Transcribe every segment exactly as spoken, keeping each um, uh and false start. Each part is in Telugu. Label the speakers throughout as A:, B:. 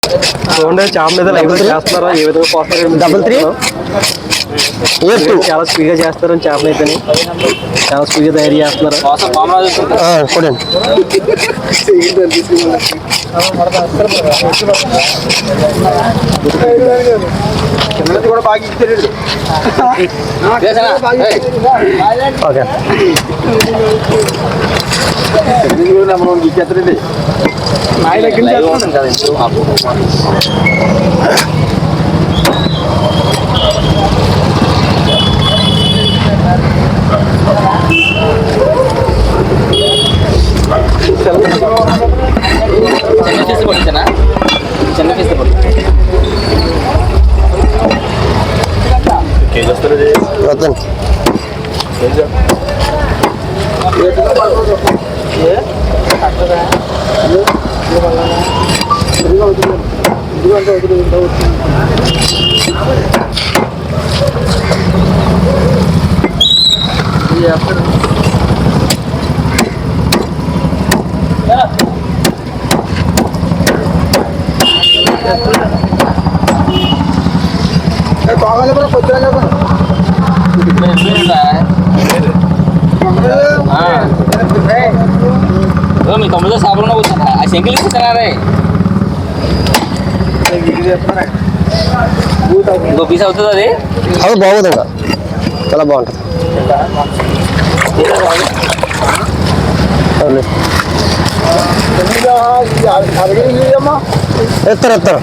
A: చూడండి చేప మీద లైవ్ చేస్తున్నారా ఏ విధంగా పోస్తారు.
B: డబల్ త్రీ
A: చాలా స్పీడ్గా చేస్తారు చేపలు అయితే చాలా స్పీడ్గా తయారు చేస్తున్నారు.
B: చూడండి
C: కూడా బాగా ఇచ్చారు.
B: ఓకే
C: ఇచ్చేస్తారండి
D: చిన్న ఫీస్ కొట్టించనా చిన్న ఫీస్ కొట్టి
C: కేజీ వస్తుంది.
D: మీ తొమ్మిదో షాపులో కూర్చున్నా ఆ శంకిల్ ఇస్తారా ఇంకో పీస్ అవుతుంది అది
B: అది బాగుంది ఇంకా చాలా బాగుంటుంది. ఎత్తారు ఎత్తారు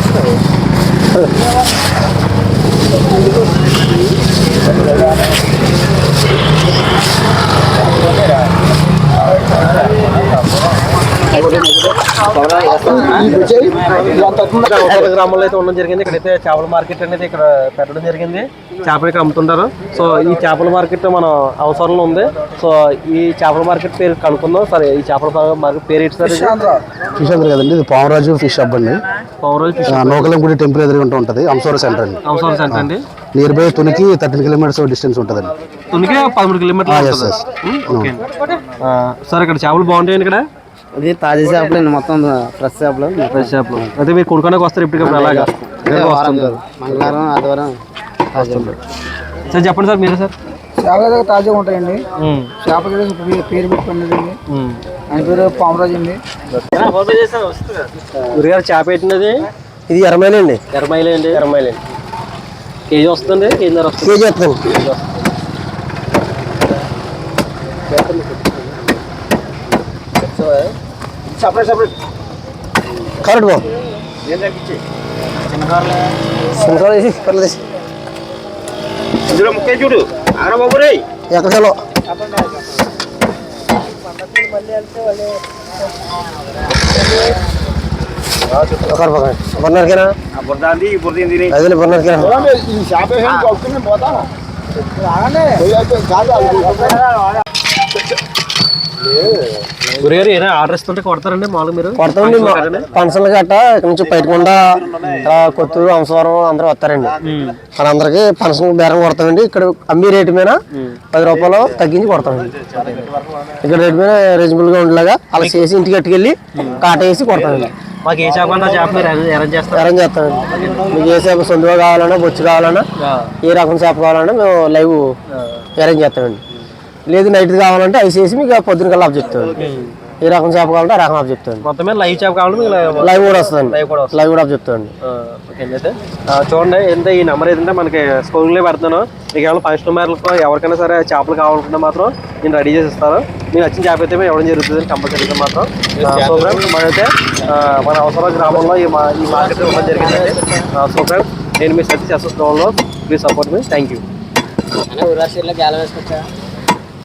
A: గ్రామంలో అయితే ఉండడం జరిగింది. ఇక్కడైతే చేపల మార్కెట్ అనేది ఇక్కడ పెట్టడం జరిగింది. చేపలు ఇక్కడ అమ్ముతుంటారు. సో ఈ చేపల మార్కెట్ మన అవసరంలో ఉంది. సో ఈ చేపల మార్కెట్ పేరు కనుక్కుందాం. సరే ఈ చేపల మార్కెట్ పేరు ఏంటి సార్?
B: ఫిష్ అందరు కదండి, ఇది పావురాజు ఫిష్ షాప్ అండి.
A: పావురాజు ఫిష్
B: నూకలం గుడి టెంపుల్ ఎదురుగా ఉంటుంది. అంసోర సెంటర్ అండి.
A: అంసోర సెంటర్ అండి.
B: నియర్ బై తునికి థర్టీన్ కిలోమీటర్స్ డిస్టెన్స్ ఉంటుందండి.
A: తునికి పదమూడు కిలోమీటర్లు. సార్ ఇక్కడ చేపలు బాగుంటాయండి. ఇక్కడ
B: ఇది తాజా చేపలు అండి, మొత్తం ఫ్రెష్ చేపలు.
A: ఫ్రెష్ చేపలు అయితే మీరు కొనుక్కోడానికి వస్తారు ఇప్పటికప్పుడు? అలాగా
B: మంగళవారం ఆదివారం
A: సార్ చెప్పండి సార్ మీరే సార్.
C: చేపలు తాజాగా ఉంటాయండి. చేపలు పేరు పెట్టుకున్నది ఆయన పేరు పామరాజు అండి.
A: గురిగారు చేప పెట్టినది
B: ఇది ఎర్రమైలు అండి.
A: ఎర్రమైలు అండి. ఎర్రమైలు అండి. కేజీ వస్తుంది. కేజీ వస్తుంది.
B: కేజీ వస్తుంది.
C: సపరేట్ సపరేట్
B: కరెక్ట్ బాబు.
C: ఇందులో ముఖ్య చూడు ఆరా బాబు రే
B: ఎక్కడలో బొన్నరకేనా
C: బుర్దాంది ఈ బుర్దింది
B: అదే బొన్నరకేనా
C: పోతాను.
A: గురిగారు ఏదైనా ఆర్డర్ ఇస్తుంటే కొడతారండి మామూలుగా మీరు?
B: కొడతామండి. ఫంక్షన్లు గట్ట ఇక్కడ నుంచి బయటకుండా కొత్తూరు అంశవరం అందరూ వస్తారండి. వాళ్ళందరికీ ఫంక్షన్ బేరం కొడతామండి. ఇక్కడ అమ్మి రేటు మీద పది రూపాయలు తగ్గించి కొడతామండి. ఇక్కడ రేటు మీద రీజనబుల్ గా ఉండేలాగా అలా చేసి ఇంటికి కట్టుకెళ్ళి కాట వేసి కొడతామండి.
A: మాకు ఏ చేప అన్నా చేప మీరు అరేంజ్ చేస్తారు?
B: అరేంజ్ చేస్తామండి. మీకు ఏ చేప సొంతగా కావాలన్నా బొచ్చు కావాలన్నా ఏ రకం చేప కావాలన్నా మేము లైవ్ అరేంజ్ చేస్తామండి. లేదు నైట్ కావాలంటే అవి చేసి మీకు పొద్దున కల్లా అప్ చెప్తామండి. ఏ రకం చేప కావాలంటే ఆ రకం అప్ చెప్తామండి.
A: మొత్తం లైవ్ చేప కావాలంటే
B: లైవ్ కూడా వస్తుందండి. లైవ్ కూడా అప్ చెప్తామండి.
A: అయితే చూడండి ఎంత ఈ నెంబర్ ఏదంటే మనకి స్కూల్లో పెడుతున్నాను. మీకు ఏమైనా ఫంక్షన్ మేరకు ఎవరికైనా సరే చేపలు కావాలనుకుంటే మాత్రం నేను రెడీ చేసి ఇస్తాను. మీకు నచ్చిన చేప అయితే మేము ఇవ్వడం జరుగుతుంది కంపల్సరీగా మాత్రం. సో ఫ్రెండ్స్ మనైతే మన అవసరం గ్రామంలో ఈ మా ఈ మార్కెట్ ఇవ్వడం జరిగిందండి. సో ఫ్రెండ్స్ నేను మీ సతీష్ ఎస్ఎస్ గ్రౌండ్లో please support me. Thank you.
D: ఉరాసీలో గ్యాల వేసుకొచ్చా